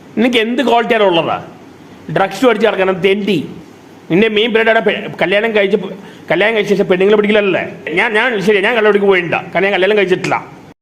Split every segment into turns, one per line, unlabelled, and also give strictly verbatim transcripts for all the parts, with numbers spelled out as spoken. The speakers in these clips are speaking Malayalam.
നിനക്ക് എന്ത് ക്വാളിറ്റിയാണ് ഉള്ളതാ? ഡ്രഗ്സ് അടിച്ച് നടക്കണം തെണ്ടി. നിന്റെ മെയിൻ പീരീഡ് കല്യാണം കഴിച്ച് കല്യാണം കഴിച്ച ശേഷം പെണ്ണുങ്ങളെ പിടിക്കലല്ലേ? ഞാൻ ഞാൻ ശരി ഞാൻ കല്യാണം പോയിട്ടില്ല, കാരണം ഞാൻ കല്യാണം കഴിച്ചിട്ടില്ല.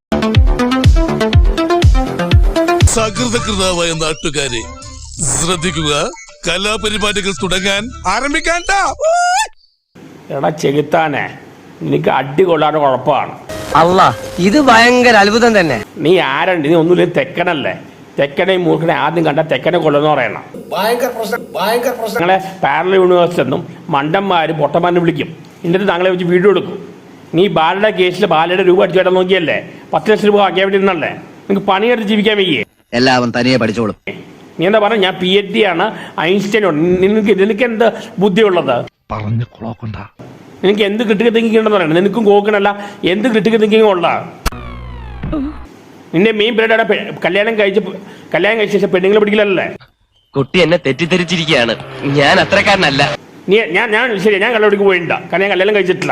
സകൃതകൃതാവായ നാട്ടുകാരെ ശ്രദ്ധിക്കുക, കലാപരിപാടികൾ തുടങ്ങാൻ ആരംഭിക്കാൻ.
എടാ ചെകുത്താനെ, നിനക്ക് അടി കൊള്ളാതെ കുഴപ്പമാണ്.
അല്ല, ഇത് ഭയങ്കര അത്ഭുതം തന്നെ.
നീ ആരണ്ട്? നീ ഒന്നുമില്ല, തെക്കനല്ലേ? തെക്കനെ മൂർഖനെ ആദ്യം കണ്ട തെക്കനെ കൊള്ളുന്ന പറയണം. ഞങ്ങളെ പാരലൽ യൂണിവേഴ്സിറ്റി എന്നും മണ്ടന്മാരും പൊട്ടന്മാരും വിളിക്കും. എന്നിട്ട് താങ്കളെ വെച്ച് വീഡിയോ എടുക്കും. നീ ബാലയുടെ കേസിൽ ബാലയുടെ രൂപ അടിച്ചുവേട്ടാൻ നോക്കിയല്ലേ? പത്ത് ലക്ഷം രൂപ ആക്കിയാൻ വേണ്ടി നിന്നല്ലേ? നിങ്ങൾക്ക് പണിയെടുത്ത് ജീവിക്കാൻ വയ്യേ?
എല്ലാവരും തനിയെ പഠിച്ചോളും.
നീ എന്താ പറഞ്ഞ? ഞാൻ പി എച്ച് ഡി ആണ്, ഐൻസ്റ്റൈൻ ഉണ്ട്. നിനക്ക് നിനക്ക് എന്ത് ബുദ്ധിയുള്ളത്?
പറഞ്ഞു കൊളോക്കണ്ട.
നിനക്ക് എന്ത് ക്രിട്ടിക്കൽ തിങ്കിങ് ഉണ്ടെന്ന് പറയണം. നിനക്കും കോക്കണല്ല, എന്ത് ക്രിട്ടിക്കൽ തിങ്കിങ് ഉള്ള? നിന്റെ മെയിൻ പീരീഡ് കല്യാണം കഴിച്ച് കല്യാണം കഴിച്ച ശേഷം പെണ്ണുങ്ങളെ പിടിക്കലല്ലേ?
കുട്ടി എന്നെ തെറ്റിദ്ധരിച്ചിരിക്കുകയാണ്. ഞാൻ അത്രക്കാരനല്ല.
നീ ഞാൻ ഞാൻ ശരി ഞാൻ കല്യാണം പോയിട്ടില്ല, കാരണം ഞാൻ കല്യാണം കഴിച്ചിട്ടില്ല.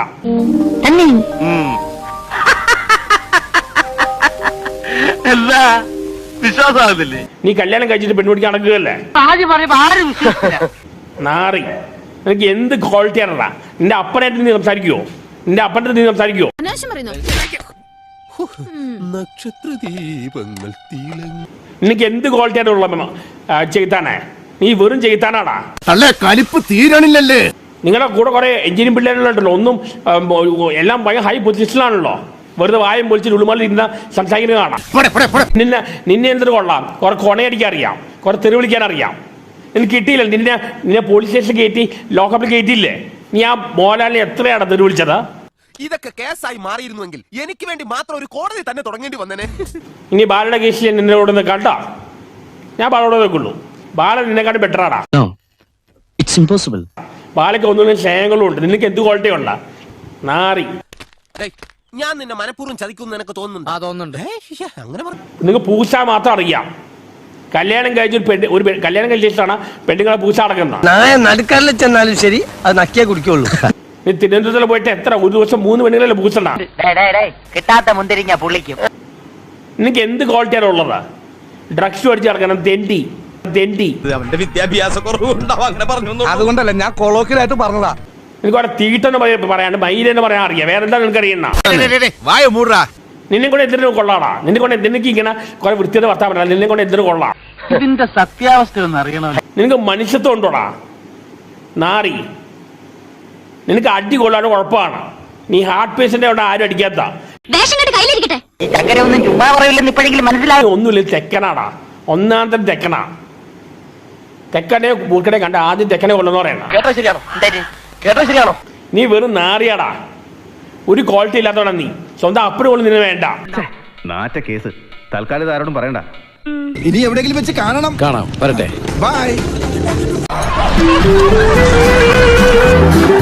എന്താ വിശ്വാസമാകുന്നില്ലേ?
നീ കല്യാണം കഴിച്ചിട്ട് പെൺപിടിക്ക് നടക്കുകയല്ലേ? നാറി, നിനക്ക് എന്ത് ക്വാളിറ്റി ആണടാ? നിന്റെ അപ്പനായിട്ട് നീ സംസാരിക്കുവോ? നിന്റെ അപ്പൻ്റെ നീ സംസാരിക്കുവോ?
നക്ഷത്രദീപങ്ങൾ
നിനക്ക് എന്ത് ക്വാളിറ്റി ആയിട്ട് ഉള്ള ചെയ്താനേ? നീ വെറും ചെയ്താനാടാ.
അല്ലേ കലിപ്പ് തീരണില്ലല്ലേ?
നിങ്ങളുടെ കൂടെ കുറെ എഞ്ചിനീയറിംഗ് പിള്ളേരുണ്ടല്ലോ, ഒന്നും എല്ലാം ഭയങ്കര ഹൈ പൊസിഷനിലാണല്ലോ. വെറുതെ വായും പൊളിച്ചിട്ട് ഉള്ളുമാലിൽ ഇരുന്ന സംസാരിക്കുന്നത് കാണാം. നിന്നെ നിന്നെ എന്തൊരു കൊള്ളാം? കുറെ കൊണയടിക്കാൻ അറിയാം, കുറെ തെറി വിളിക്കാൻ അറിയാം. നിനക്ക് കിട്ടിയില്ല. നിന്നെ നിന്നെ പോലീസ് സ്റ്റേഷനിൽ കയറ്റി ലോക്കപ്പിൽ കയറ്റിയില്ലേ? നീ ആ മോഹൻലാലിനെ എത്രയാണ് തെറി വിളിച്ചത്?
ഇതൊക്കെ കേസായി മാറിയിരുന്നുവെങ്കിൽ എനിക്ക് വേണ്ടി മാത്രം ഒരു കോടതി തന്നെ തുടങ്ങേണ്ടി വന്നേനെ.
ഇനി ബാലയുടെ കേസിൽ നിന്നോട് കണ്ടാ ഞാൻ ബാലോടെ വെക്കുള്ളൂ. ബാല നിന്നെക്കാട്ടും ബെറ്ററാടാ. ബാലയ്ക്ക് ഒന്നും സ്നേഹങ്ങളും ഉണ്ട്. നിനക്ക് എന്ത് ക്വാളിറ്റി ഉള്ള നാറി?
ഞാൻ നിന്നെ മനഃപൂർവ്വം ചതിക്കുന്നു എനിക്ക് തോന്നുന്നുണ്ട്. അങ്ങനെ
നിങ്ങൾക്ക് പൂച്ച മാത്രം അറിയാം. കല്യാണം കഴിച്ച ഒരു പെണ്ണ് ഒരു കല്യാണം കഴിച്ചിട്ടാണ് പെണ്ണുങ്ങളെ പൂച്ച അടക്കുന്നത്.
നടുക്കാരിൽ ചെന്നാലും ശരി, അത് നക്കിയേ കുടിക്കുള്ളൂ.
നീ തിരുവനന്തപുരത്തിൽ പോയിട്ട് എത്ര ഒരു ദിവസം മൂന്ന് പെണ്ണുങ്ങളല്ലേ പൂച്ചണ്ട?
കിട്ടാത്ത മുന്തിരിങ്ങ പുള്ളിക്കും.
നിനക്ക് എന്ത് ക്വാളിറ്റിയാണ് ഉള്ളത്? ഡ്രഗ്സ് അടിച്ച് നടക്കണം തെണ്ടി തെണ്ടി.
അവന്റെ വിദ്യാഭ്യാസ കുറവുണ്ടാവും, അങ്ങനെ പറഞ്ഞു.
അതുകൊണ്ടല്ല ഞാൻ കൊളോക്കിലായിട്ട് പറഞ്ഞതാ.
നിനക്ക് അവിടെ തീട്ടെന്ന് പറയാണ്ട് മയിലെന്ന് പറയാൻ അറിയാം. വേറെന്താ നിനക്ക് അറിയുന്ന? നിന്നെ കൊണ്ട് എന്തിനു കൊള്ളാടാ? നിന്നെ കൊണ്ട് നിനക്ക് ഇങ്ങനെ കുറെ വൃത്തിയുടെ വർത്താൻ പറ്റില്ല. നിന്നെ കൊണ്ട് എന്തിനു കൊള്ളാം?
ഇതിന്റെ സത്യാവസ്ഥ ഒന്ന് അറിയണോ?
നിനക്ക് മനുഷ്യത്വം ഉണ്ടോടാ നാറി? നിനക്ക് അടി കൊള്ളാനും കുഴപ്പമാണ്. നീ ഹാർട്ട് പേഷ്യന്റ് അവിടെ ആരും അടിക്കാത്ത.
ഈ ചക്കര ഒന്നും ചുമ്മാ പറയില്ലെന്ന് ഇപ്പോഴെങ്കിലും മനസ്സിലായി.
ഒന്നുമില്ല, തെക്കനാടാ, ഒന്നാം തരം തെക്കനാ. തെക്കനെ മൂർക്കനെ കണ്ട ആദ്യം തെക്കനെ കൊള്ളുന്ന പറയണം.
കേട്ടോ ശരിയാണോ? കേട്ടോ ശരിയാണോ?
നീ വെറും നാറിയാടാ, ഒരു ക്വാളിറ്റി ഇല്ലാത്തവണ നീ. സ്വന്തം അപ്പനും കൊള്ളു നിന്നെ വേണ്ട.
നാറ്റ കേസ് തൽക്കാലം ആരോടും പറയണ്ട.
ഇനി എവിടെയെങ്കിലും വെച്ച് കാണണം.
കാണാം, വരട്ടെ.
ബൈ.